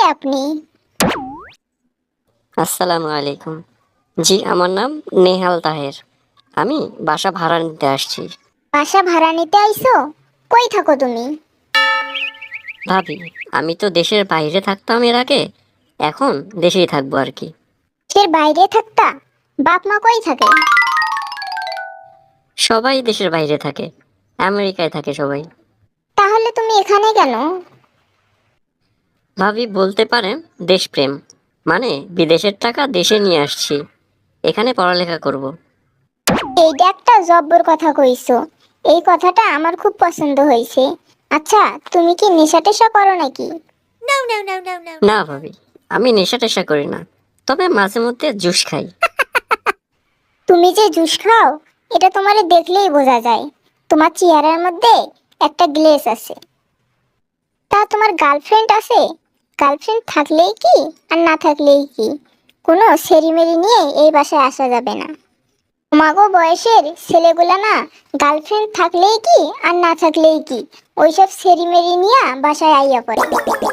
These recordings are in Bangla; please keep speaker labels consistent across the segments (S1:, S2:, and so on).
S1: আপনি?
S2: আসসালামু আলাইকুম। জি, আমার নাম নেহাল তাহের। আমি বাসা ভাড়া নিতে আসছি।
S1: বাসা ভাড়া নিতে আইছো? কই থাকো তুমি?
S2: ভাবি, আমি তো দেশের বাইরে থাকতাম এর আগে, এখন দেশেই থাকবো আর কি।
S1: দেশের বাইরে থাকতা? বাপ মা কই থাকে?
S2: সবাই দেশের বাইরে থাকে, আমেরিকায় থাকে সবাই।
S1: তাহলে তুমি এখানে কেন?
S2: ভাবি, বলতে পারেন দেশপ্রেম, মানে বিদেশের টাকা দেশে নিয়ে আসছি, এখানে পড়ালেখা করব।
S1: এইটা একটা জব্বর কথা কইছো। এই কথাটা আমার খুব পছন্দ হয়েছে। আচ্ছা, তুমি কি নেশা টেশা করো নাকি?
S2: না ভাবি, আমি নেশা টেশা করি না, তবে মাঝে মধ্যে জুস খাই।
S1: তুমি যে জুস খাও, এটা তোমারে দেখলেই বোঝা যায়। তোমার চেহারার মধ্যে একটা গ্লেজ আছে। তা তোমার গার্লফ্রেন্ড আছে? গার্লফ্রেন্ড থাকলেই কি আর না থাকলেই কি, কোনো সেরিমেরি নিয়ে এই বাসায় আসা যাবে না। তোমাগো বয়সের ছেলেগুলা না, গার্লফ্রেন্ড থাকলেই কি আর না থাকলেই কি, ওইসব সেরিমেরি নিয়ে বাসায় আইয়া পড়ে।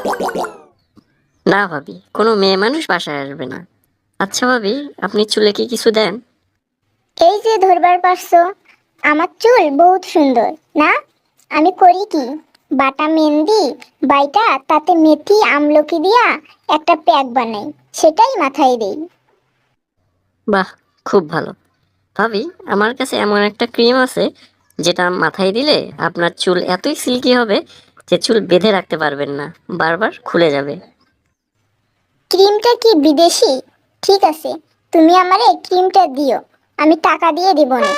S2: না ভাবি, কোনো মেয়ে মানুষ বাসায় আসবে না। আচ্ছা ভাবি, আপনি চুলে কি কিছু দেন?
S1: এই যে ধরবার পারছো, আমার চুল বহুত সুন্দর না? আমি করি কি, বাটা মেহেন্দি বাইটা তাতে মেথি আমলকি দিয়া একটা প্যাক বানাই, সেটাই মাথায় দেই।
S2: বাহ, খুব ভালো। ভাবি, আমার কাছে এমন একটা ক্রিম আছে যেটা মাথায় দিলে আপনার চুল এতই সিল্কি হবে যে চুল বেঁধে রাখতে পারবেন না, বারবার খুলে যাবে।
S1: ক্রিমটা কি বিদেশি? ঠিক আছে, তুমি আমারে ক্রিমটা দিও, আমি টাকা দিয়ে দিব না।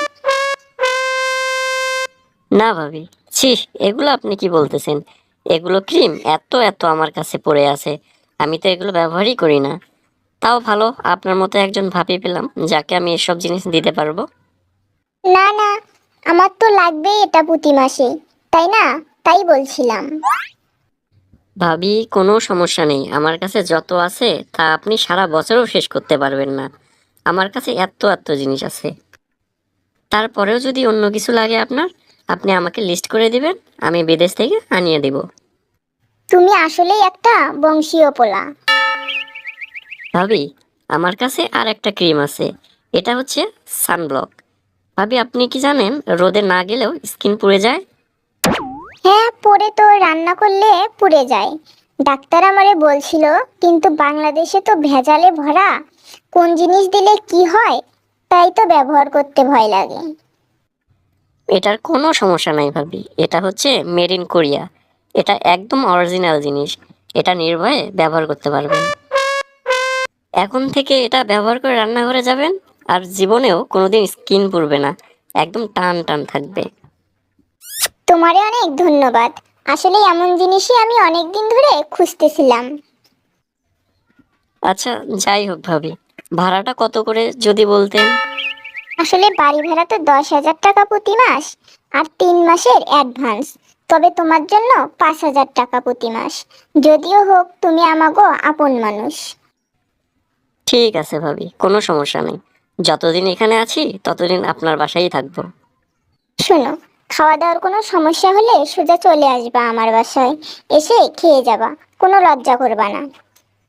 S2: না ভাবি, ছি, এগুলো আপনি কি বলতেছেন? এগুলো ক্রিম এত এত আমার কাছে পড়ে আছে, আমি তো এগুলো ব্যবহারই করি না। তাও ভালো, আপনার মতো একজন ভাবি পেলাম যাকে আমি এসব জিনিস দিতে পারবো।
S1: না না, আমার তো লাগবেই এটা প্রতি মাসে, তাই না? তাই বলছিলাম।
S2: ভাবি, কোনো সমস্যা নেই, আমার কাছে যত আছে তা আপনি সারা বছরও শেষ করতে পারবেন না। আমার কাছে এত এত জিনিস আছে। তারপরেও যদি অন্য কিছু লাগে আপনার, আপনি আমাকে লিস্ট করে দিবেন, আমি বিদেশ থেকে আনিয়ে দিব।
S1: তুমি আসলেই একটা বংশীয় পোলা।
S2: ভাবি, আমার কাছে আর একটা ক্রিম আছে, এটা হচ্ছে সানব্লক। ভাবি, আপনি কি জানেন রোদে না গেলেও স্কিন পুড়ে যায়?
S1: হ্যাঁ, পরে তো রান্না করলে পুড়ে যায়। ডাক্তার আমারে বলছিল, কিন্তু বাংলাদেশে তো ভেজালে ভরা, কোন জিনিস দিলে কি হয়, তাই তো ব্যবহার করতে ভয় লাগে।
S2: এটার কোনো সমস্যা নাই ভাবি, এটা হচ্ছে মেড ইন কোরিয়া। এটা একদম অরিজিনাল জিনিস, এটা নির্ভয়ে ব্যবহার করতে পারবেন। এখন থেকে এটা ব্যবহার করে রান্নাঘরে যাবেন, আর জীবনেও কোনোদিন স্কিন পুড়বে না, একদম টান টান থাকবে।
S1: তোমারে অনেক ধন্যবাদ। আসলে এমন জিনিসই আমি অনেক দিন ধরে খুঁজতেছিলাম।
S2: আচ্ছা, যাই হোক ভাবি, ভাড়াটা কত করে যদি বলতেন?
S1: আসলে বাড়ি ভাড়া তো 10,000 টাকা প্রতি মাস, আর 3 মাসের অ্যাডভান্স। তবে তোমার জন্য 5,000 টাকা প্রতি মাস। যদিও হোক, তুমি আমাগো আপন মানুষ।
S2: ঠিক আছে ভাবি, কোনো সমস্যা নেই। যতদিন এখানে আছি ততদিন আপনার বাসায় থাকবো।
S1: শোনো, খাওয়া দাওয়ার কোনো সমস্যা হলে সোজা চলে আসবা আমার বাসায়, এসে খেয়ে যাবা, কোনো লজ্জা করবা না।